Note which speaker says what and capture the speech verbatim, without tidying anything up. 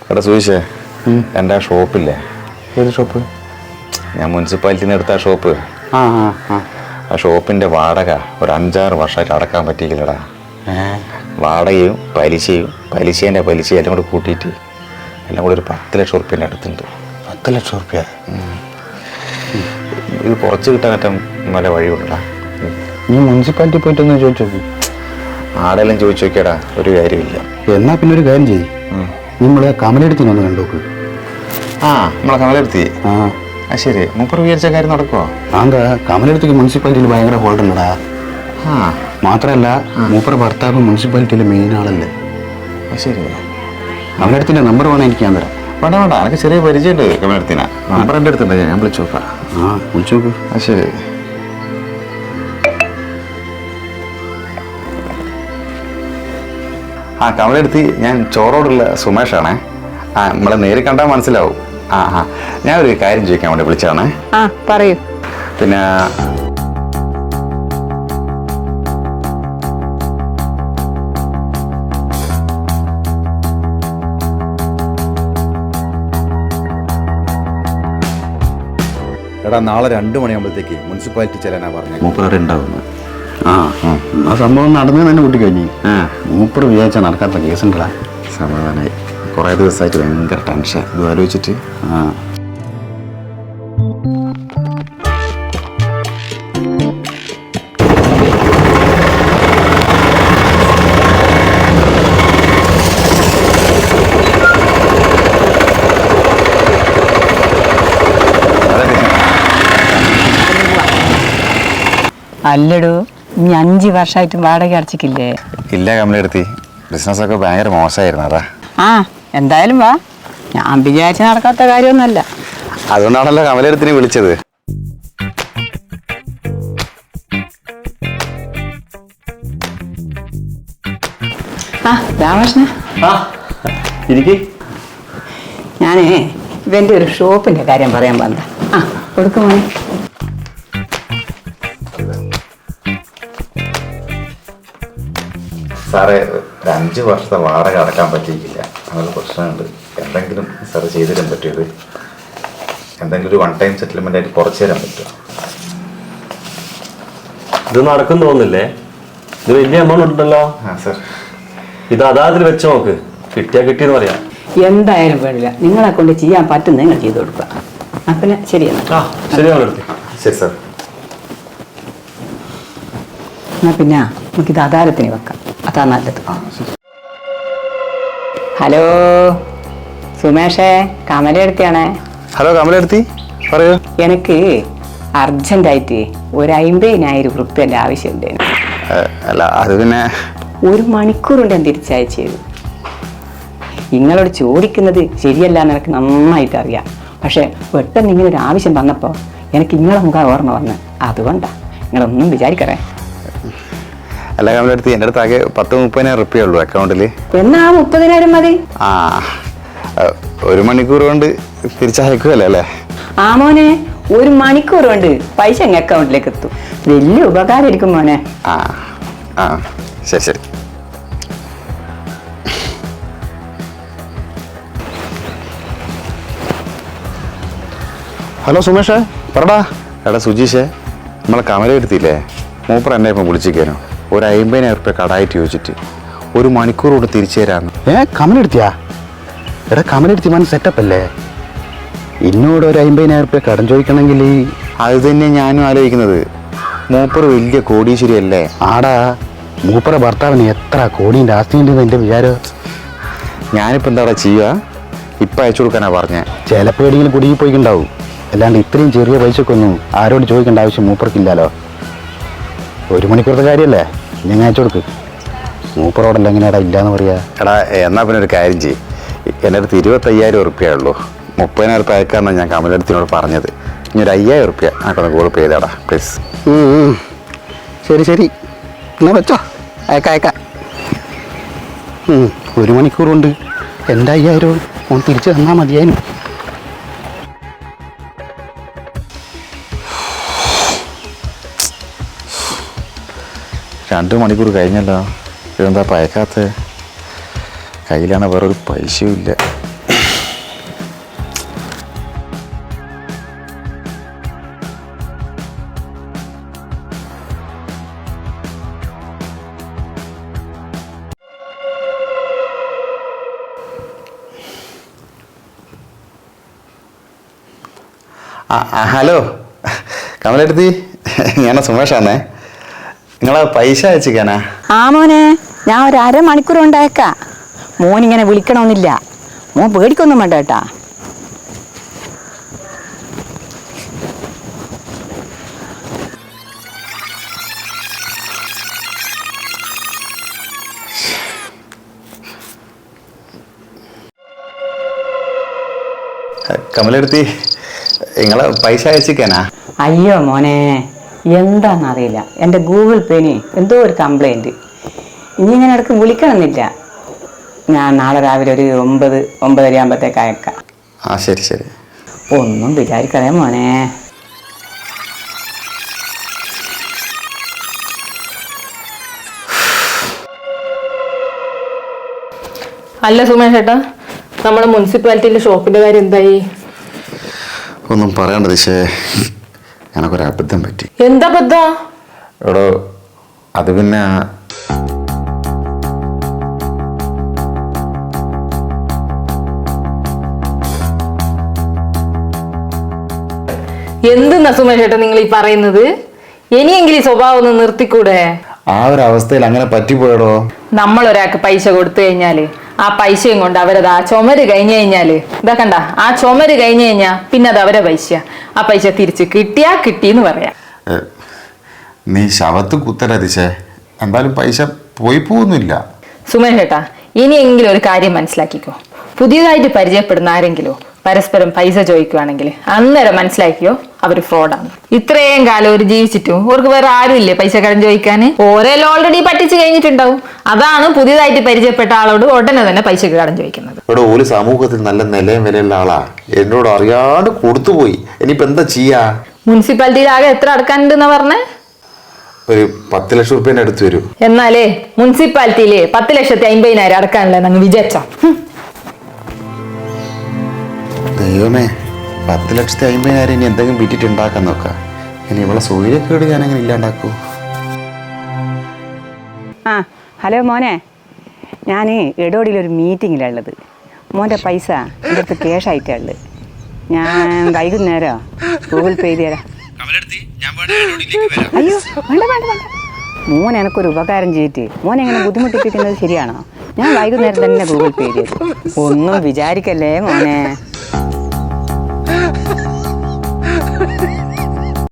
Speaker 1: എടാ സുവിശേ, എൻ്റെ ആ ഷോപ്പില്ലേ?
Speaker 2: ഏത് ഷോപ്പ്?
Speaker 1: ഞാൻ മുനിസിപ്പാലിറ്റിയിൽ നിന്ന് എടുത്ത ആ ഷോപ്പ്.
Speaker 2: ആ ആ ആ
Speaker 1: ആ ഷോപ്പിൻ്റെ വാടക ഒരു അഞ്ചാറ് വർഷമായിട്ട് അടക്കാൻ പറ്റിയില്ലടാ. വാടകയും പലിശയും പലിശേൻ്റെ പലിശയും എല്ലാം കൂടി കൂട്ടിയിട്ട് എല്ലാം കൂടി ഒരു പത്ത് ലക്ഷം റുപ്യേൻ്റെ അടുത്തുണ്ട്.
Speaker 2: പത്ത് ലക്ഷം റുപ്യ?
Speaker 1: ഇത് കുറച്ച് കിട്ടാനേറ്റം നല്ല വഴിയുണ്ടടാ.
Speaker 2: നീ മുനിസിപ്പാലിറ്റി പോയിട്ടൊന്ന് ചോദിച്ചു നോക്കി.
Speaker 1: ആടെല്ലാം ചോദിച്ചു നോക്കിയടാ, ഒരു കാര്യമില്ല.
Speaker 2: എന്നാ പിന്നെ ഒരു കാര്യം ചെയ്യും, നമ്മളെ കമലെടുത്തിന് ഒന്ന് കണ്ടോക്ക്.
Speaker 1: ആ നമ്മളെ കമലെടുത്തി.
Speaker 2: ആ
Speaker 1: ആ ശരി, മുപ്പർ വിചാരിച്ച കാര്യം നടക്കുമോ?
Speaker 2: ആന്താ കമലെടുത്തേക്ക് മുനിസിപ്പാലിറ്റിയിൽ ഭയങ്കര ഹോൾഡ് ഉണ്ടടാ.
Speaker 1: ആ
Speaker 2: മാത്രമല്ല മൂപ്പറ ഭർത്താവ് മുനിസിപ്പാലിറ്റിയിലെ മെയിൻ ആളല്ലേ.
Speaker 1: ആ ശരി,
Speaker 2: കമലെടുത്തിൻ്റെ നമ്പർ വേണം എനിക്ക് ഞാൻ തരാം.
Speaker 1: വേണ്ട വേണ്ട, എനിക്ക് ചെറിയ പരിചയമുണ്ട് കമലെടുത്തിനാ. നമ്പർ എൻ്റെ അടുത്തുണ്ട്, ഞാൻ വിളിച്ചു നോക്കാം.
Speaker 2: ആ വിളിച്ചു നോക്ക്.
Speaker 1: ആ ശരി. ആ കമലെടുത്തി, ഞാൻ ചോറോടുള്ള സുമേഷാണേ. ആ നമ്മളെ നേരിൽ കണ്ടാൽ മനസ്സിലാവും. ആ ആ ഞാനൊരു കാര്യം ചോദിക്കാൻ വേണ്ടി വിളിച്ചതാണേ.
Speaker 3: ആ പറയൂ.
Speaker 1: പിന്നെ
Speaker 4: എടാ നാളെ രണ്ട് മണിയാകുമ്പോഴത്തേക്ക് മുനിസിപ്പാലിറ്റി ചെല്ലാനാ പറഞ്ഞു.
Speaker 1: മൂപ്പറവിടെ ഉണ്ടാവുന്നു.
Speaker 2: ആ ആ സംഭവം നടന്നു തന്നെ കൂട്ടി കഴിഞ്ഞു. മൂപ്പർ വിചാരിച്ചാൽ നടക്കാത്ത കേസുണ്ടടാ.
Speaker 1: സമാധാനമായി. കുറേ ദിവസമായിട്ട് ഭയങ്കര ടെൻഷൻ ഇത് ആലോചിച്ചിട്ട്.
Speaker 2: ആ
Speaker 3: അല്ലടോ, ഇനി അഞ്ച് വർഷമായിട്ട് വാടക അടച്ചിക്കില്ലേ?
Speaker 1: ഇല്ല കമലെടുത്തി, ബിസിനസ്സൊക്കെ ഭയങ്കര മോശമായിരുന്നു. അതാ.
Speaker 3: ആ എന്തായാലും വാ, ഞാൻ വിചാരിച്ച നടക്കാത്ത കാര്യമൊന്നുമല്ല.
Speaker 1: അതുകൊണ്ടാണല്ലോ കമലെടുത്തിനെ വിളിച്ചത്.
Speaker 3: ആ രാമകൃഷ്ണ, ഞാനേ ഇവൻ്റെ ഒരു ഷോപ്പിൻ്റെ കാര്യം പറയാൻ വന്ന. ആ കൊടുക്കുമോ?
Speaker 1: സാറേ, ഒരു അഞ്ച് വർഷത്തെ വാടക അടക്കാൻ പറ്റിയിട്ടില്ല, അങ്ങനെ പ്രശ്നമുണ്ട്. എന്തെങ്കിലും സാറ് ചെയ്തു തരാൻ പറ്റിയത്, എന്തെങ്കിലും ഒരു വൺ ടൈം സെറ്റിൽമെൻ്റ് ആയിട്ട് കുറച്ച് തരാൻ പറ്റുമോ?
Speaker 5: ഇത് നടക്കും തോന്നില്ലേ? ഇത് വലിയ എമൗണ്ട് ഉണ്ടല്ലോ.
Speaker 1: ആ സാർ,
Speaker 5: ഇത് അതാതിൽ വെച്ച് നോക്ക്, കിട്ടിയാ കിട്ടിയെന്ന് പറയാം.
Speaker 3: എന്തായാലും വേണ്ടില്ല, നിങ്ങളെ കൊണ്ട് ചെയ്യാൻ പറ്റുന്ന നിങ്ങൾ ചെയ്തു കൊടുക്കുക. ആ പിന്നെ ശരിയെന്നാ.
Speaker 5: ആ ശരിയാണ്.
Speaker 1: ശരി സാർ.
Speaker 3: എന്നാ പിന്നെ നമുക്കിത് ആധാരത്തിന് വെക്കാം, അതാ നല്ലത്. ഹലോ സുമേഷേ, കമലെടുത്തിയാണേ.
Speaker 1: ഹലോ കമലെടുത്തി, പറയൂ.
Speaker 3: എനിക്ക് അർജന്റായിട്ട് ഒരു അമ്പതിനായിരം റുപ്യൻ്റെ ആവശ്യമുണ്ട്.
Speaker 1: അല്ല അത് പിന്നെ
Speaker 3: ഒരു മണിക്കൂർ കൊണ്ട് ഞാൻ തിരിച്ചയച്ചു തരും. നിങ്ങളോട് ചോദിക്കുന്നത് ശരിയല്ല എന്ന് എനിക്ക് നന്നായിട്ട് അറിയാം. പക്ഷേ പെട്ടെന്ന് ഇങ്ങനെ ഒരു ആവശ്യം വന്നപ്പോൾ എനിക്ക് നിങ്ങളെ മുഖം ഓർമ്മ വന്ന്, അതുകൊണ്ടാണ്. നിങ്ങളൊന്നും വിചാരിക്കറേ.
Speaker 1: അല്ല കമലെടുത്തി, എൻ്റെ അടുത്ത് ആകെ പത്ത് മുപ്പതിനായിരം റുപ്യ ഉള്ളൂ അക്കൗണ്ടിൽ.
Speaker 3: എന്നാ മുപ്പതിനായിരം മതി.
Speaker 1: ആ ഒരു മണിക്കൂർ കൊണ്ട് തിരിച്ചയക്കുമല്ലോ അല്ലേ?
Speaker 3: ആ മോനെ, ഒരു മണിക്കൂർ കൊണ്ട് പൈസ അങ്ങ് അക്കൗണ്ടിലേക്ക് എത്തും. വലിയ ഉപകാരമായിരിക്കും മോനെ.
Speaker 1: ആ ആ ശരി ശരി.
Speaker 2: ഹലോ സുമേഷേ, പറടാ.
Speaker 1: എടാ സുജീഷേ, നമ്മളെ കമലെടുത്തില്ലേ, മൂപ്പർ എന്നെ ഇപ്പം വിളിച്ചിരിക്കാനോ ഒരു അമ്പതിനായിരം റുപ്യ കടായിട്ട് ചോദിച്ചിട്ട് ഒരു മണിക്കൂർ കൊണ്ട് തിരിച്ചു തരാമെന്ന്.
Speaker 2: ഏ കമലെടുത്തിയാ? എടാ കമലെടുത്തി മൻ സെറ്റപ്പ് അല്ലേ? എന്നോട് ഒരു അമ്പതിനായിരം റുപ്യ കടം ചോദിക്കണമെങ്കിൽ
Speaker 1: അത് തന്നെ ഞാനും ആലോചിക്കുന്നത്. മൂപ്പർ വലിയ കോടീശ്വരി അല്ലേ?
Speaker 2: ആടാ, മൂപ്പറ ഭർത്താവിന് എത്ര കോടീൻ്റെ ആസ്തി ഉണ്ടെന്ന് എൻ്റെ വിചാരം.
Speaker 1: ഞാനിപ്പോൾ എന്താ ചെയ്യുക? ഇപ്പം അയച്ചു കൊടുക്കാനാ പറഞ്ഞേ.
Speaker 2: ചിലപ്പോൾ എവിടെയെങ്കിലും കുടുങ്ങി പോയിക്കുണ്ടാവും. അല്ലാണ്ട് ഇത്രയും ചെറിയ പൈസക്കൊന്നും ആരോട് ചോദിക്കേണ്ട ആവശ്യം മൂപ്പർക്കില്ലല്ലോ. ഒരു മണിക്കൂറത്തെ കാര്യമല്ലേ, ഞാൻ അയച്ചു കൊടുക്ക്. മൂപ്പറോടല്ല എങ്ങനെയാടാ ഇല്ലയെന്ന് പറയാ?
Speaker 1: എടാ എന്നാൽ പിന്നെ ഒരു കാര്യം ചെയ്യും, എൻ്റെ അടുത്ത് ഇരുപത്തയ്യായിരം ഉറുപ്പ്യേ ഉള്ളൂ. മുപ്പതിനായിരം റുപ്യ അയക്കാമെന്നാണ് ഞാൻ കമലെടുത്തിനോട് പറഞ്ഞത്. ഇനി ഒരു അയ്യായിരം റുപ്യ ആക്കൊന്ന് ഗൂഗിൾ പേ ചെയ്താടാ പ്ലീസ്.
Speaker 2: ശരി ശരി, എന്നാ വെച്ചോ, അയക്കാം അയക്കാം. ഒരു മണിക്കൂർ കൊണ്ട് എൻ്റെ അയ്യായിരം ഓൻ തിരിച്ച് തന്നാൽ മതിയായിരുന്നു.
Speaker 1: രണ്ട് മണിക്കൂർ കഴിഞ്ഞല്ലോ, ഇതെന്താ പയക്കാത്ത? കയ്യിലാണ് വേറൊരു പൈസയും ഇല്ല. ആ ആ, ഹലോ കമലെടുത്തി, ഞാൻ സുമേഷാന്നേ. നിങ്ങളെ പൈസ അയച്ചിക്കാനാ?
Speaker 3: ആ മോനെ, ഞാൻ ഒരു അരമണിക്കൂർ ഉണ്ടായേക്കാം. മോനിങ്ങനെ വിളിക്കണമെന്നില്ല, മോൻ പേടിക്കൊന്നും വേണ്ട കേട്ടാ.
Speaker 1: കമലെടുത്തി, നിങ്ങളെ പൈസ അയച്ചിക്കാനാ?
Speaker 3: അയ്യോ മോനെ, എന്താണെന്നറിയില്ല, എൻ്റെ ഗൂഗിൾ പേന് എന്തോ ഒരു കംപ്ലൈൻറ്റ്. ഇനി ഇങ്ങനെ ഇടയ്ക്ക് വിളിക്കണമെന്നില്ല. ഞാൻ നാളെ രാവിലെ ഒരു ഒമ്പത് ഒമ്പതര ആകുമ്പോഴത്തേക്ക് അയക്കാം.
Speaker 1: ആ ശരി ശരി.
Speaker 3: ഒന്നും വിചാരിക്കണേ മോനെ.
Speaker 6: അല്ല സുമേഷ് ചേട്ടാ, നമ്മുടെ മുനിസിപ്പാലിറ്റിയിലെ ഷോപ്പിന്റെ കാര്യം എന്തായി?
Speaker 1: ഒന്നും പറയണ്ട ദിശേ, എനക്കൊരു അബദ്ധം പറ്റി.
Speaker 6: എന്താ ബദ്ധ?
Speaker 1: എടോ, അത് പിന്നെ
Speaker 6: എന്തെന്നാ സുമേഷ് ചേട്ടാ നിങ്ങൾ ഈ പറയുന്നത്? ഇനിയെങ്കിലും ഈ സ്വഭാവം ഒന്ന് നിർത്തിക്കൂടെ?
Speaker 1: ആ ഒരു അവസ്ഥയിൽ അങ്ങനെ പറ്റിപ്പോയടോ.
Speaker 6: നമ്മൾ ഒരാൾക്ക് പൈസ കൊടുത്തു കഴിഞ്ഞാല് ആ പൈസയും കൊണ്ട് അവരത് ആ ചുമര് കഴിഞ്ഞു കഴിഞ്ഞാല് ഇതാ കണ്ട, ആ ചുമര് കഴിഞ്ഞു കഴിഞ്ഞാ പിന്നെ അത് അവരെ പൈസ. ആ പൈസ തിരിച്ച് കിട്ടിയാ കിട്ടിന്ന് പറയാം.
Speaker 1: ഏ, നീ ശവത്ത് കുത്തല ദിശേ, എന്തായാലും പൈസ പോയി പോകുന്നില്ല.
Speaker 6: സുമേഷ് ചേട്ടാ, ഇനിയെങ്കിലും ഒരു കാര്യം മനസ്സിലാക്കിക്കോ. പുതിയതായിട്ട് പരിചയപ്പെടുന്ന ആരെങ്കിലും പരസ്പരം പൈസ ചോദിക്കുവാണെങ്കിൽ അന്നേരം മനസ്സിലാക്കിയോ അവർ ഫ്രോഡാണ്. ഇത്രയും കാലം ഒരു ജീവിച്ചിട്ടും അവർക്ക് വേറെ ആരും ഇല്ലേ പൈസ കടം ചോദിക്കാന്? ഓരെല്ലാം ഓൾറെഡി പറ്റിച്ച് കഴിഞ്ഞിട്ടുണ്ടാവും. അതാണ് പുതിയതായിട്ട് പരിചയപ്പെട്ട ആളോട് ഉടനെ തന്നെ പൈസ കടം ചോദിക്കുന്നത്.
Speaker 1: ഇവിടെ ഒരു സമൂഹത്തിൽ നല്ല നിലയും വിലയുള്ള ആളാ, എന്നോട് അറിയാണ്ട് കൊടുത്തുപോയി. ഇനിയിപ്പോ എന്താ ചെയ്യാ?
Speaker 6: മുനിസിപ്പാലിറ്റിയിൽ ആകെ എത്ര അടക്കാനുണ്ടെന്നാ പറഞ്ഞേ?
Speaker 1: ഒരു പത്ത് ലക്ഷം റുപ്യേന്റെ അടുത്ത് വരും.
Speaker 6: എന്നാലേ മുനിസിപ്പാലിറ്റിയിലെ പത്ത് ലക്ഷത്തി അമ്പതിനായിരം അടക്കാനല്ലേ നിങ്ങൾ വിചാരിച്ചോ?
Speaker 1: ദൈവമേ, പത്ത് ലക്ഷത്തി അമ്പതിനായിരം ഇനി എന്തെങ്കിലും വിറ്റിട്ട് ഉണ്ടാക്കാൻ നോക്കാം. ഇനി ഇവിടെ സൂര്യക്കേട് ഞാൻ അങ്ങനെ ഇല്ലാണ്ടാക്കൂ.
Speaker 3: ആ ഹലോ മോനെ, ഞാൻ എടോടിയിലൊരു മീറ്റിങ്ങിലുള്ളത്. മോൻ്റെ പൈസ എൻ്റെ അടുത്ത് ക്യാഷ് ആയിട്ടാണ് ഉള്ളത്. ഞാൻ വൈകുന്നേരം ഗൂഗിൾ പേ ചെയ്ത് തരാം. അയ്യോ വേണ്ട വേണ്ട വേണ്ട, മോൻ എനക്കൊരു ഉപകാരം ചെയ്തിട്ട് മോൻ എങ്ങനെ ബുദ്ധിമുട്ടിപ്പിക്കുന്നത് ശരിയാണോ? ഞാൻ വൈകുന്നേരം തന്നെ ഗൂഗിൾ പേ ചെയ്തു. ഒന്നും വിചാരിക്കല്ലേ മോനെ.